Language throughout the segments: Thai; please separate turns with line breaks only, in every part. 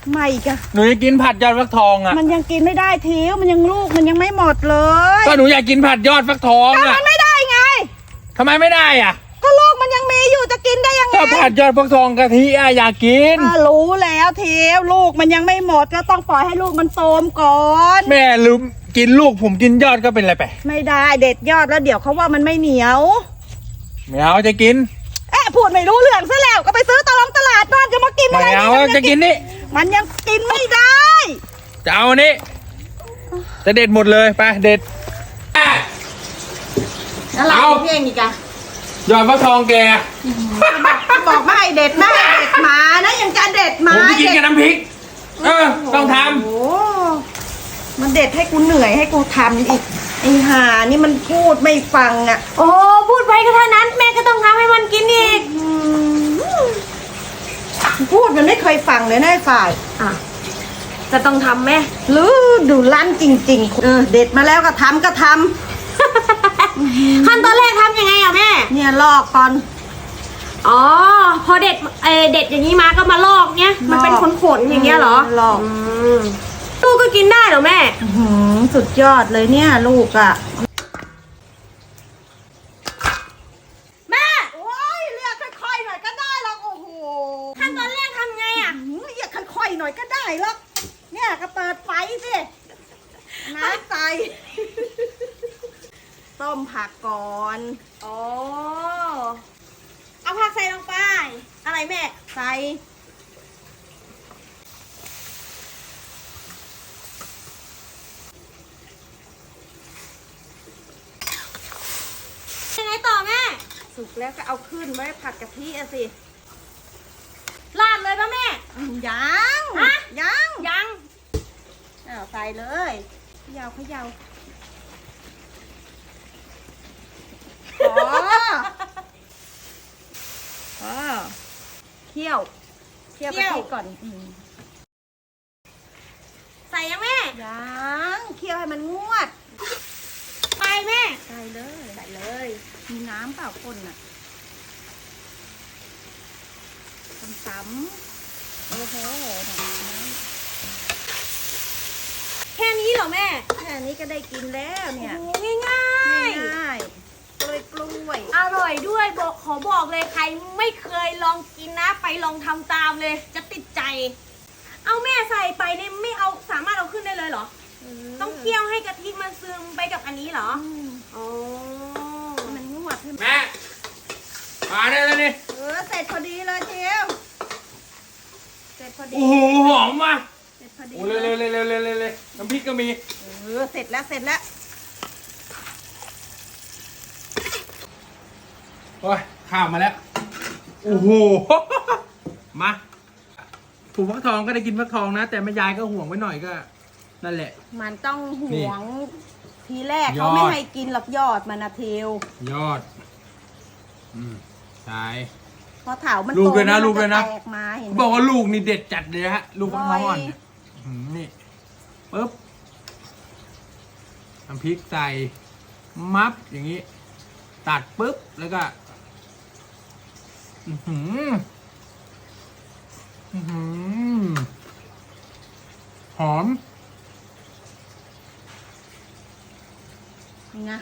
ไม่จ้ะ
หนูจะกินผัดยอดฟักทองอ่ะ
มันยังกินไม่ได้ทิวมันยังลูกมันยังไม่หมดเลย
ก็หนูอยากกินผัดยอดฟักทองอ่ะ
มันไม่ได้ไง
ทำไมไม่ได้อ่ะ
ก็ลูกมันยังมีอยู่จะกินได้ยังไง
ก็ผัดยอดฟักทองกะทิอ่ะอยากกิน
รู้แล้วทิวลูกมันยังไม่หมดก็ต้องปล่อยให้ลูกมันโตมก่อน
แม่ลืมกินลูกผมกินยอดก็เป็นไรไป
ไม่ได้เด็ดยอดแล้วเดี๋ยวเขาว่ามันไม่เหนียว
ไม่เอาจะกิน
พูดไม่รู้เรื่องซะแล้วก็ไปซื้อตลาดบ้านจะมากินอะไร
ไม่เอาจะกินนี่
มันยังกินไม่ได้
จะเอานี่จะเด็ดหมดเลยไปเด็ด
อะไรเพียงอีกอะ
ยอดฟักทองแก
บอกไม่เด็ดไม่เด็ดมานะยังจะเด็ดมา
ผมจะกินกับน้ำพริกต้องทำ
โอ้มันเด็ดให้กูเหนื่อยให้กูทำอีกไอ้ห่านี่มันพูดไม่ฟังอ่ะ
โอ้พูดไปก็เท่านั้นแม่ก็ต้องทำให้มันกินอีก
พูดมันไม่เคยฟังเลยนะไอ้ฝ่าย
จะต้องทำแม่
หรือดูลั่นจริงๆเด็ดมาแล้วก็ทำ
ขั้นตอนแรกทำยังไงอะแม่
เนี่ยลอกก่อน
อ๋อพอเด็ดอย่างนี้มาก็มาลอกเนี้ยมันเป็นขนๆอย่างเงี้ยเหรอ
ลอก
ลูกก็กินได้เหรอแม่
สุดยอดเลยเนี่ยลูกอ่ะแม่โอ้ยเรียกค่อยๆหน่อยก็ได้หรอกโอ้โห
ขั้นตอนแรกทำไงอะ
เรียกค่อยๆหน่อยก็ได้หรอกเนี่ยก็เปิดไฟสิน้ำใส่ต้มผักก่อน
อ๋อเอาผักใส่ลงไปอะไรแม่
ใส่
ยังไงต่อแม่
สุกแล้วก็เอาขึ้นไว้ผัดกะทิอะสิ
ราดเลยป่ะแม่
ยังใส่เลยเขย่าเคี่ยวกะทิก่อน
ใส่ยังแม่
ยังเคี่ยวให้มันงวด
ไปแม่
ใส่เลยมีน้ำเปล่าคนน่ะซ้ำโอ้โห
แค่นี้เหรอแม่
แค่นี้ก็ได้กินแล้วเนี่ย
ง่าย
กล้วย
อร่อยด้วยขอบอกเลยใครไม่เคยลองกินนะไปลองทำตามเลยจะติดใจเอาแม่ใส่ไปเนี่ยไม่เอาสามารถเอาขึ้นได้เลยเหรอต้องเคี่ยวให้กะทิมันซึมไปกับอันนี้เหรออ๋อ
มันงวด
แม่มาได้แล้วนี่
เสร็จพอดีเลยเทียวเสร็จพอดี
โอ้โหหอมว่ะ
เสร็จพอดี
โอ้เลยน้ำพริกก็มี
เสร็จแล้ว
โอ้ยข้าวมาแล้วโอ้โหมาถูกฟักทองก็ได้กินฟักทองนะแต่แม่ยายก็ห่วงไว้หน่อยก็นั่นแหละ
มันต้องห่วงทีแรกเขาไม่ให้กินหรอกยอดมันนะเทวย
อดใช่
พอเถามัน
ลูกเลยนะบอกว่าลูกนี่เด็ดจัดเลยฮะลูกฟักทองอ่อนนี่ปึ๊บน้ำพริกใส่มับอย่างนี้ตัดปึ๊บแล้วก็หอม
ไง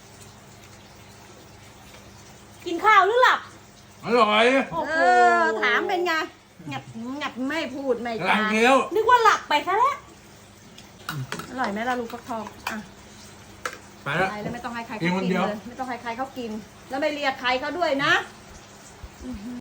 กินข้าวหรือหลับ
อร่อย
ถามเป็นไงงับไม่พูดไม่
จา
นึกว่าหลับไปซะแล้ว
อร่อยไหมล่ะลูกฟักทอง
ไปแล้ว
ไม่ต้องให้ใครเขากินเลยไม่ต้องให้ใครเขากินแล้วไม่เรียกใครเขาด้วยนะ